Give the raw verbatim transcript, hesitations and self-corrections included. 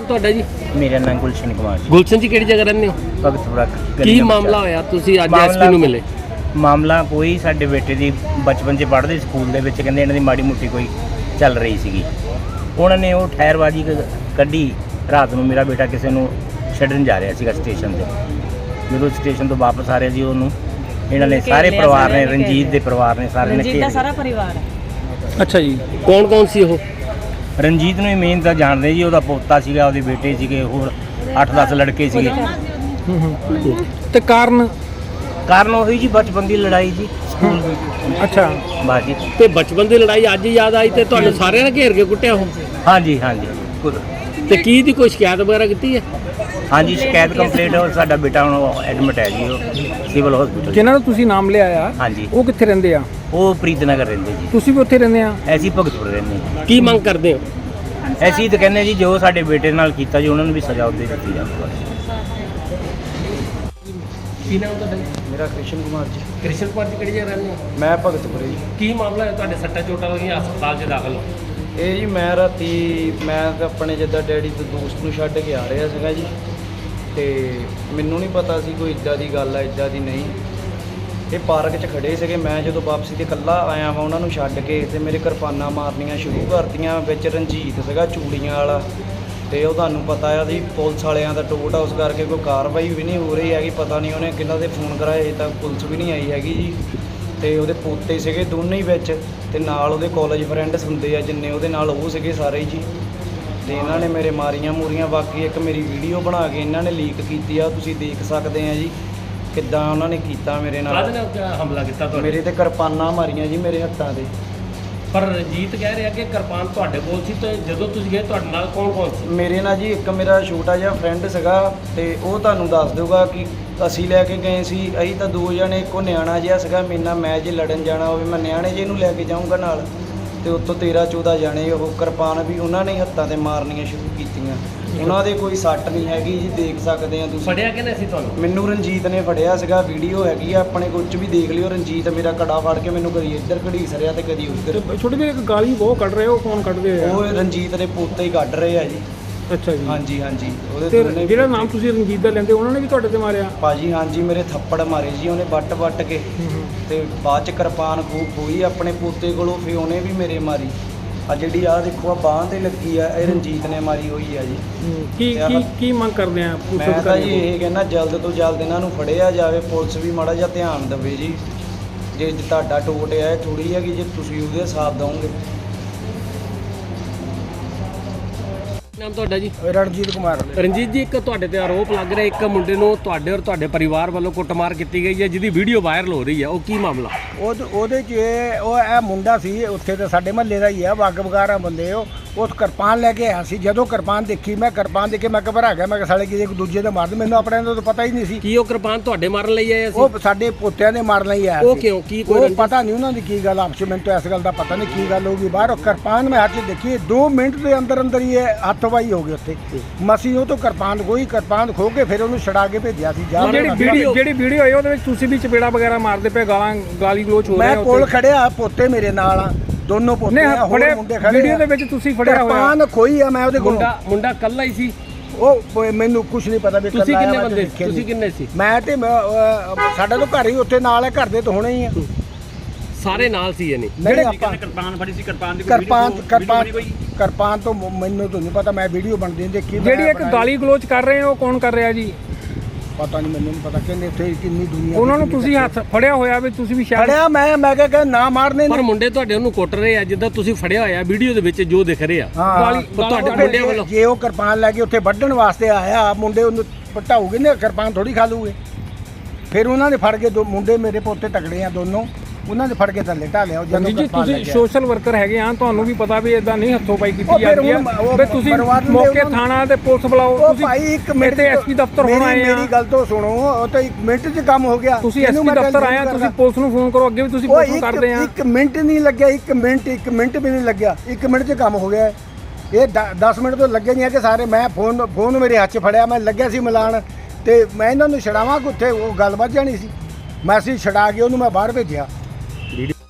ਤੁਹਾਡਾ ਜੀ? ਮੇਰਾ ਨਾਮ ਗੁਲਸ਼ਨ ਕੁਮਾਰ ਜੀ। ਗੁਲਸ਼ਨ ਜੀ ਕਿਹੜੀ ਜਗ੍ਹਾ ਰਹਿੰਦੇ ਹੋ? ਭਗਤਪੁਰਾ। ਕੀ ਮਾਮਲਾ ਹੋਇਆ, ਤੁਸੀਂ ਅੱਜ ਐਸਪੀ ਨੂੰ ਮਿਲੇ? ਮਾਮਲਾ ਕੋਈ ਸਾਡੇ ਬੇਟੇ ਦੀ ਬਚਪਨ 'ਚ ਪੜ੍ਹਦੇ ਸਕੂਲ ਦੇ ਵਿੱਚ ਕਹਿੰਦੇ ਇਹਨਾਂ ਦੀ ਮਾੜੀ ਮੋਟੀ ਕੋਈ ਚੱਲ ਰਹੀ ਸੀਗੀ। ਉਹਨਾਂ ਨੇ ਉਹ ਠਹਿਰਬਾਜੀ ਕੱਢੀ। ਰਾਤ ਨੂੰ ਮੇਰਾ ਬੇਟਾ ਕਿਸੇ ਨੂੰ ਛੱਡਣ ਜਾ ਰਿਹਾ ਸੀਗਾ ਸਟੇਸ਼ਨ 'ਤੇ। ਜਦੋਂ ਸਟੇਸ਼ਨ ਤੋਂ ਵਾਪਸ ਆ ਰਿਹਾ ਜੀ ਉਹਨੂੰ ਇਹਨਾਂ ਨੇ ਸਾਰੇ ਪਰਿਵਾਰ ਨੇ, ਰਣਜੀਤ ਦੇ ਪਰਿਵਾਰ ਨੇ ਸਾਰੇ ਨੇ ਰਣਜੀਤ ਦਾ ਸਾਰਾ ਪਰਿਵਾਰ ਹੈ। ਅੱਛਾ ਜੀ, ਕੌਣ ਕੌਣ ਸੀ ਉਹ? ਰਣਜੀਤ ਨੂੰ ਹੀ ਮੇਨ ਤਾਂ ਜਾਣਦੇ ਜੀ, ਉਹਦਾ ਪੋਤਾ ਸੀਗਾ, ਉਹਦੇ ਬੇਟੇ ਸੀਗੇ, ਹੋਰ ਅੱਠ ਦਸ ਲੜਕੇ ਸੀਗੇ। ਤੇ ਕਾਰਨ? ਕਾਰਨ ਉਹੀ ਜੀ ਬਚਪਨ ਦੀ ਲੜਾਈ ਜੀ ਸਕੂਲ ਵਿੱਚ। ਅੱਛਾ ਬਾਜੀ ਤੇ ਬਚਪਨ ਦੀ ਲੜਾਈ ਅੱਜ ਯਾਦ ਆਈ ਤੇ ਤੁਹਾਨੂੰ ਸਾਰਿਆਂ ਨੇ ਘੇਰ ਕੇ ਕੁੱਟਿਆ ਉਹ? ਹਾਂਜੀ ਹਾਂਜੀ। ਤੇ ਕੀ ਦੀ ਕੋਈ ਸ਼ਿਕਾਇਤ ਵਗੈਰਾ ਕੀਤੀ ਹੈ? ਹਾਂਜੀ ਸ਼ਿਕਾਇਤ ਕੰਪਲੀਟ ਹੋ। ਸਾਡਾ ਬੇਟਾ ਹੁਣ ਐਡਮਿਟ ਹੈ ਜੀ, ਉਹ ਸਿਵਲ ਹਸਪੀਟਲ। ਜਿਨ੍ਹਾਂ ਨੂੰ ਤੁਸੀਂ ਨਾਮ ਲਿਆ ਆ, ਹਾਂਜੀ, ਉਹ ਕਿੱਥੇ ਰਹਿੰਦੇ ਆ? ਉਹ ਪ੍ਰੀਤਨਗਰ ਰਹਿੰਦੇ ਜੀ। ਤੁਸੀਂ ਵੀ ਉੱਥੇ ਰਹਿੰਦੇ ਆ? ਐਸੀ ਭਗਤਪੁਰ ਰਹਿੰਦੇ ਹਾਂ। ਕੀ ਮੰਗ ਕਰਦੇ ਹੋ? ਐਸੀ ਤਾਂ ਕਹਿੰਦੇ ਜੀ ਜੋ ਸਾਡੇ ਬੇਟੇ ਨਾਲ ਕੀਤਾ ਜੀ ਉਹਨਾਂ ਨੂੰ ਵੀ ਸਜ਼ਾ ਉੱਤੇ ਦਿੱਤੀ ਜਾਵੇ। ਕੀ ਨਾਮ ਤੁਹਾਡਾ? ਮੇਰਾ ਕ੍ਰਿਸ਼ਨ ਕੁਮਾਰ ਜੀ। ਕ੍ਰਿਸ਼ਨ ਕੁਮਾਰ ਜੀ ਕਿਹੜੀ ਜਗ੍ਹਾ ਰਹਿੰਦੇ ਹੋ? ਮੈਂ ਭਗਤਪੁਰੇ ਜੀ। ਕੀ ਮਾਮਲਾ ਹੈ, ਤੁਹਾਡੇ ਸੱਟਾਂ ਚੋਟਾਂ ਲੱਗੀਆਂ, ਹਸਪਤਾਲ 'ਚ ਦਾਖਲ ਹੋ? ਇਹ ਜੀ ਮੈਂ ਰਾਤੀ ਮੈਂ ਤਾਂ ਆਪਣੇ ਜਿੱਦਾਂ ਡੈਡੀ ਤੋਂ ਦੋਸਤ ਨੂੰ ਛੱਡ ਕੇ ਆ ਰਿਹਾ ਸੀਗਾ ਜੀ, ਤੇ ਮੈਨੂੰ ਨਹੀਂ ਪਤਾ ਸੀ ਕੋਈ ਇੱਦਾਂ ਦੀ ਗੱਲ ਆ, ਇੱਦਾਂ ਦੀ ਨਹੀਂ। ਇਹ ਪਾਰਕ 'ਚ ਖੜੇ ਸੀਗੇ, ਮੈਂ ਜਦੋਂ ਵਾਪਸੀ ਤੇ ਇਕੱਲਾ ਆਇਆ ਹਾਂ ਉਹਨਾਂ ਨੂੰ ਛੱਡ ਕੇ, ਤੇ ਮੇਰੇ ਕਿਰਪਾਨਾਂ ਮਾਰਨੀਆਂ ਸ਼ੁਰੂ ਕਰਤੀਆਂ। ਵਿੱਚ ਰਣਜੀਤ ਸੀਗਾ ਚੂੜੀਆਂ ਵਾਲਾ, ਤੇ ਉਹ ਤੁਹਾਨੂੰ ਪਤਾ ਆ ਜੀ ਪੁਲਿਸ ਵਾਲਿਆਂ ਦਾ ਟੋਟ ਆ, ਉਸ ਕਰਕੇ ਕੋਈ ਕਾਰਵਾਈ ਵੀ ਨਹੀਂ ਹੋ ਰਹੀ ਹੈਗੀ। ਪਤਾ ਨਹੀਂ ਉਹਨੇ ਕਿਹਨਾਂ ਦੇ ਫੋਨ ਕਰਾਏ, ਅਜੇ ਤੱਕ ਪੁਲਿਸ ਵੀ ਨਹੀਂ ਆਈ ਹੈਗੀ ਜੀ। ਤੇ ਉਹਦੇ ਪੋਤੇ ਸੀਗੇ ਦੋਨੇ ਹੀ ਵਿੱਚ, ਤੇ ਨਾਲ ਉਹਦੇ ਕਾਲਜ ਫਰੈਂਡਸ ਹੁੰਦੇ ਆ ਜਿੰਨੇ ਉਹਦੇ ਨਾਲ, ਉਹ ਸੀਗੇ ਸਾਰੇ ਜੀ। ਤੇ ਇਹਨਾਂ ਨੇ ਮੇਰੇ ਮਾਰੀਆਂ ਮੂਰੀਆਂ। ਬਾਕੀ ਇੱਕ ਮੇਰੀ ਵੀਡੀਓ ਬਣਾ ਕੇ ਇਹਨਾਂ ਨੇ ਲੀਕ ਕੀਤੀ ਆ, ਤੁਸੀਂ ਦੇਖ ਸਕਦੇ ਆ ਜੀ ਕਿੱਦਾਂ ਉਹਨਾਂ ਨੇ ਕੀਤਾ ਮੇਰੇ ਨਾਲ। ਕਾਹਦੇ ਨਾਲ ਹਮਲਾ ਕੀਤਾ ਤੁਹਾਡੇ? ਮੇਰੇ ਤੇ ਕਿਰਪਾਨਾਂ ਮਾਰੀਆਂ ਜੀ ਮੇਰੇ ਹੱਥਾਂ ਤੇ। ਪਰ ਰਣਜੀਤ ਕਹਿ ਰਿਹਾ ਕਿ ਕਿਰਪਾਨ ਤੁਹਾਡੇ ਕੋਲ ਸੀ, ਤੇ ਜਦੋਂ ਤੁਸੀਂ ਗਏ ਤੁਹਾਡੇ ਨਾਲ ਕੌਣ ਕੌਣ ਸੀ? ਮੇਰੇ ਨਾਲ ਜੀ ਇੱਕ ਮੇਰਾ ਛੋਟਾ ਜਿਹਾ ਫਰੈਂਡ ਸੀਗਾ, ਤੇ ਉਹ ਤੁਹਾਨੂੰ ਦੱਸ ਦਊਗਾ ਕਿ ਅਸੀਂ ਲੈ ਕੇ ਗਏ ਸੀ। ਅਸੀਂ ਤਾਂ ਦੋ ਜਣੇ, ਇੱਕੋ ਨਿਆਣਾ ਜਿਹਾ ਸੀਗਾ ਮੇਰੇ ਨਾਲ, ਮੈਂ ਜੇ ਲੜਨ ਜਾਣਾ ਹੋਵੇ ਮੈਂ ਨਿਆਣੇ ਜਿਹੇ ਨੂੰ ਲੈ ਕੇ ਜਾਊਂਗਾ ਨਾਲ, ਤੇ ਉੱਤੋਂ ਤੇਰ੍ਹਾਂ ਚੌਦ੍ਹਾਂ ਜਾਣੇ। ਉਹ ਕਿਰਪਾਨ ਵੀ ਉਹਨਾਂ ਨੇ ਹੱਥਾਂ ਤੇ ਮਾਰਨੀਆਂ ਸ਼ੁਰੂ ਕੀਤੀਆਂ। ਉਹਨਾਂ ਦੇ ਕੋਈ ਸੱਟ ਨਹੀਂ ਹੈਗੀ ਜੀ, ਦੇਖ ਸਕਦੇ ਆ ਤੁਸੀਂ। ਫੜਿਆ ਕਿਹਨੇ ਸੀ ਤੁਹਾਨੂੰ? ਮੈਨੂੰ ਰਣਜੀਤ ਨੇ ਫੜਿਆ ਸੀਗਾ, ਵੀਡੀਓ ਹੈਗੀ ਆ ਆਪਣੇ ਕੋਲ 'ਚ ਵੀ ਦੇਖ ਲਿਓ। ਰਣਜੀਤ ਮੇਰਾ ਕੜਾ ਫੜ ਕੇ ਮੈਨੂੰ ਕਦੀ ਇੱਧਰ ਘੜੀਸ ਰਿਹਾ ਤੇ ਕਦੀ ਉੱਧਰ। ਛੋਟੇ ਜਿਹੇ ਇੱਕ ਗਾਲੀ ਬਹੁਤ ਕੱਢ ਰਹੇ, ਉਹ ਕੌਣ ਕੱਢਦੇ ਆ? ਉਹ ਰਣਜੀਤ ਦੇ ਪੋਤੇ ਹੀ ਕੱਢ ਰਹੇ ਆ ਜੀ। ਅੱਛਾ ਜੀ। ਹਾਂਜੀ ਹਾਂਜੀ। ਉਹਦੇ ਤੇ ਦੋਨੇ ਜਿਹੜਾ ਨਾਮ ਤੁਸੀਂ ਰਣਜੀਤ ਦਾ ਲੈਂਦੇ, ਉਹਨਾਂ ਨੇ ਵੀ ਤੁਹਾਡੇ ਤੇ ਮਾਰਿਆ? ਭਾਜੀ ਹਾਂਜੀ, ਮੇਰੇ ਥੱਪੜ ਮਾਰੇ ਜੀ ਉਹਨੇ ਵੱਟ ਵੱਟ ਕੇ, ਤੇ ਬਾਅਦ ਚ ਕਿਰਪਾਨ ਖੂਬ ਹੋਈ ਆਪਣੇ ਪੋਤੇ ਕੋਲੋਂ, ਫਿਰ ਉਹਨੇ ਵੀ ਮੇਰੇ ਮਾਰੀ। ਆ ਜਿਹੜੀ ਆ ਦੇਖੋ ਆ ਬਾਂਹ ਤੇ ਲੱਗੀ ਆ, ਇਹ ਰਣਜੀਤ ਨੇ ਮਾਰੀ ਹੋਈ ਆ ਜੀ। ਕੀ ਕੀ ਕੀ ਮੰਗ ਕਰਦੇ ਆ? ਮੈਂ ਤਾਂ ਜੀ ਇਹ ਕਹਿੰਦਾ ਜਲਦ ਤੋਂ ਜਲਦ ਇਹਨਾਂ ਨੂੰ ਫੜਿਆ ਜਾਵੇ, ਪੁਲਿਸ ਵੀ ਮਾੜਾ ਜਿਹਾ ਧਿਆਨ ਦੇਵੇ ਜੀ। ਜੇ ਤੁਹਾਡਾ ਟੋਟ ਹੈ ਥੋੜੀ ਹੈਗੀ, ਜੇ ਤੁਸੀਂ ਉਹਦੇ ਹਿਸਾਬ ਦਓਗੇ। ਨਾਮ ਤੁਹਾਡਾ ਜੀ? ਰਣਜੀਤ ਕੁਮਾਰ। ਰਣਜੀਤ ਜੀ, ਇੱਕ ਤੁਹਾਡੇ ਤੇ ਆਰੋਪ ਲੱਗ ਰਿਹਾ ਇੱਕ ਮੁੰਡੇ ਨੂੰ ਤੁਹਾਡੇ ਔਰ ਤੁਹਾਡੇ ਪਰਿਵਾਰ ਵੱਲੋਂ ਕੁੱਟਮਾਰ ਕੀਤੀ ਗਈ ਹੈ, ਜਿਹਦੀ ਵੀਡੀਓ ਵਾਇਰਲ ਹੋ ਰਹੀ ਹੈ, ਉਹ ਕੀ ਮਾਮਲਾ? ਉਹ ਉਹਦੇ 'ਚ ਇਹ ਉਹ ਇਹ ਮੁੰਡਾ ਸੀ ਉੱਥੇ ਤਾਂ ਸਾਡੇ ਮਹੱਲੇ ਦਾ ਹੀ ਆ, ਵੱਗ ਵਗਾਰਾ ਬੰਦੇ। ਉਹ ਉਹ ਕਿਰਪਾਨ ਲੈ ਕੇ ਆਇਆ ਸੀ। ਜਦੋਂ ਕਿਰਪਾਨ ਦੇਖੀ, ਮੈਂ ਕਿਰਪਾਨ ਦੇਖ ਕੇ ਮੈਂ ਘਬਰਾ ਗਿਆ। ਮੈਂ ਕਿਹਾ ਸਾਲੇ ਕਿਸੇ ਇੱਕ ਦੂਜੇ ਦੇ ਮਾਰਦੇ, ਮੈਨੂੰ ਆਪਣੇ ਦਾ ਤਾਂ ਪਤਾ ਹੀ ਨਹੀਂ ਸੀ। ਕੀ ਉਹ ਕਿਰਪਾਨ ਤੁਹਾਡੇ ਮਾਰਨ ਲਈ ਆਇਆ ਸੀ? ਉਹ ਸਾਡੇ ਪੋਤਿਆਂ ਦੇ ਮਾਰਨ ਲਈ ਆਇਆ ਉਹ ਸੀ। ਕਿਉਂ? ਕੀ ਉਹ ਕੋਈ ਪਤਾ ਨਹੀਂ ਉਹਨਾਂ ਦੀ ਕੀ ਗੱਲ ਆਪਸ ਵਿੱਚ, ਮੈਨੂੰ ਤਾਂ ਇਸ ਗੱਲ ਦਾ ਪਤਾ ਨਹੀਂ ਕੀ ਗੱਲ ਹੋ ਗਈ ਬਾਹਰ। ਉਹ ਕਿਰਪਾਨ ਮੈਂ ਹੱਥ 'ਚ ਦੇਖੀ, ਦੋ ਮਿੰਟ ਦੇ ਅੰਦਰ ਅੰਦਰ ਹੀ ਇਹ ਹੱਥਵਾਈ ਹੋ ਗਈ ਉੱਥੇ। ਮਸੀਂ ਉਹ ਤੋਂ ਕਿਰਪਾਨ ਕੋਈ ਕਿਰਪਾਨ ਖੋ ਕੇ ਫਿਰ ਉਹਨੂੰ ਛੜਾ ਕੇ ਭੇਜਿਆ ਸੀ। ਜਾ ਜਿਹੜੀ ਵੀਡੀਓ ਜਿਹੜੀ ਵੀਡੀਓ ਆਈ ਉਹਦੇ ਵਿੱਚ ਤੁਸੀਂ ਵੀ ਚਪੇੜਾ ਵਗੈਰਾ ਮਾਰਦੇ ਪਏ, ਗਾਲਾਂ ਗਾਲੀ ਗਲੋਚ ਹੋ ਰਿਹਾ? ਮੈਂ ਕੋਲ ਖੜਿਆ, ਪੋਤੇ ਮੇਰੇ ਨਾਲ ਆ, ਦੋਨੋਂ ਪੋਤੇ ਆ, ਹੋਰ ਮੁੰਡੇ ਖੜੇ। ਵੀਡੀਓ ਦੇ ਵਿੱਚ ਤੁਸੀਂ ਫੜਿਆ ਹੋਇਆ? ਕਿਰਪਾਨ ਖੋਈ ਆ ਮੈਂ ਉਹਦੇ ਕੋਲ। ਮੁੰਡਾ ਮੁੰਡਾ ਕੱਲਾ ਹੀ ਸੀ? ਉਹ ਮੈਨੂੰ ਕੁਝ ਨਹੀਂ ਪਤਾ ਵੀ ਤੁਸੀਂ ਕਿੰਨੇ ਬੰਦੇ ਸੀ? ਤੁਸੀਂ ਕਿੰਨੇ ਸੀ? ਮੈਂ ਤੇ ਸਾਡਾ ਤਾਂ ਘਰ ਹੀ ਉੱਥੇ ਨਾਲ ਹੈ, ਘਰ ਦੇ ਤਾਂ ਹੋਣੇ ਹੀ ਆ। ਸਾਰੇ ਨਾਲ ਸੀ? ਇਹਨੇ ਜਿਹੜੇ ਕਿਰਪਾਨ ਫੜੀ ਸੀ, ਕਿਰਪਾਨ ਦੀ ਕਿਰਪਾਨ ਕਿਰਪਾਨ ਕਿਰਪਾਨ ਤੋਂ ਮੈਨੂੰ ਤਾਂ ਨਹੀਂ ਪਤਾ, ਮੈਂ ਵੀਡੀਓ ਬਣਦੀ ਦੇਖੀ। ਜਿਹੜੀ ਇੱਕ ਗਾਲੀ ਗਲੋਚ ਕਰ ਰਹੇ ਹੋ, ਉਹ ਕੌਣ ਕਰ ਰਿਹਾ ਜੀ? ਪਤਾ ਨਹੀਂ, ਮੈਨੂੰ ਨਹੀਂ ਪਤਾ। ਕਹਿੰਦੇ ਉੱਥੇ ਕਿੰਨੀ ਦੁਨੀਆ। ਉਹਨਾਂ ਨੂੰ ਤੁਸੀਂ ਹੱਥ ਫੜਿਆ ਹੋਇਆ ਵੀ ਤੁਸੀਂ ਵੀ ਸ਼ਾਇਦ? ਫੜਿਆ ਮੈਂ ਮੈਂ ਕਿਹਾ ਨਾ ਮਾਰਨੇ। ਪਰ ਮੁੰਡੇ ਤੁਹਾਡੇ ਉਹਨੂੰ ਕੁੱਟ ਰਹੇ ਆ ਜਿੱਦਾਂ ਤੁਸੀਂ ਫੜਿਆ ਹੋਇਆ ਵੀਡੀਓ ਦੇ ਵਿੱਚ ਜੋ ਦਿਖ ਰਿਹਾ। ਗਾਲੀ ਤੁਹਾਡੇ ਮੁੰਡਿਆਂ ਵੱਲੋਂ ਜੇ ਉਹ ਕਿਰਪਾਨ ਲੈ ਕੇ ਉੱਥੇ ਵੱਢਣ ਵਾਸਤੇ ਆਇਆ, ਮੁੰਡੇ ਉਹਨੂੰ ਪਟਾਉਗੇ ਨਾ, ਕਿਰਪਾਨ ਥੋੜੀ ਖਾ ਲੂਗੇ। ਫਿਰ ਉਹਨਾਂ ਨੇ ਫੜ ਕੇ ਦੋ ਮੁੰਡੇ ਮੇਰੇ ਪੋਤੇ ਤਕੜੇ ਆ ਦੋਨੋਂ, ਉਹਨਾਂ ਨੇ ਫੜ ਕੇ ਥੱਲੇ ਢਾ ਲਿਆ। ਜੀ ਜੀ, ਤੁਸੀਂ ਸੋਸ਼ਲ ਵਰਕਰ ਹੈਗੇ ਆ, ਤੁਹਾਨੂੰ ਵੀ ਪਤਾ ਵੀ ਇਦਾਂ ਨਹੀਂ ਹੱਥੋਂ ਪਾਈ ਕੀਤੀ ਜਾਂਦੀ ਆ। ਵੀ ਤੁਸੀਂ ਮੌਕੇ ਥਾਣਾ ਤੇ ਪੁਲਿਸ ਬੁਲਾਓ। ਤੁਸੀਂ ਭਾਈ ਇੱਕ ਮਿੰਟ ਤੇ ਐਸਪੀ ਦਫ਼ਤਰ ਹੋਣਾ ਆਏ ਆ। ਮੇਰੀ ਗੱਲ ਤੋਂ ਸੁਣੋ, ਉਹ ਤਾਂ ਇੱਕ ਮਿੰਟ 'ਚ ਕੰਮ ਹੋ ਗਿਆ। ਤੁਸੀਂ ਐਸਪੀ ਦਫ਼ਤਰ ਆਏ ਆ, ਤੁਸੀਂ ਪੁਲਿਸ ਨੂੰ ਫੋਨ ਕਰੋ। ਅੱਗੇ ਵੀ ਤੁਸੀਂ ਪੁਲਿਸ ਨੂੰ ਕਰਦੇ ਆ। ਇੱਕ ਮਿੰਟ ਨਹੀਂ ਲੱਗਿਆ, ਇੱਕ ਮਿੰਟ ਇੱਕ ਮਿੰਟ ਵੀ ਨਹੀਂ ਲੱਗਿਆ, ਇੱਕ ਮਿੰਟ 'ਚ ਕੰਮ ਹੋ ਗਿਆ। ਇਹ ਦਸ ਮਿੰਟ ਤੋਂ ਲੱਗੇ ਨਹੀਂ ਹੈ ਕਿ ਸਾਰੇ। ਮੈਂ ਫੋਨ ਫੋਨ ਮੇਰੇ ਹੱਥ 'ਚ ਫੜਿਆ, ਮੈਂ ਲੱਗਿਆ ਸੀ ਮਿਲਾਣ, ਤੇ ਮੈਂ ਇਹਨਾਂ ਨੂੰ ਛਡਾਵਾਂ ਕਿੱਥੇ, ਉਹ ਗੱਲ ਵੱਧ ਜਾਣੀ ਸੀ। ਮੈਂ ਅਸੀਂ ਛਡਾ ਕੇ ਉਹਨੂੰ ਮੈਂ ਬਾਹਰ ਭੇਜਿਆ।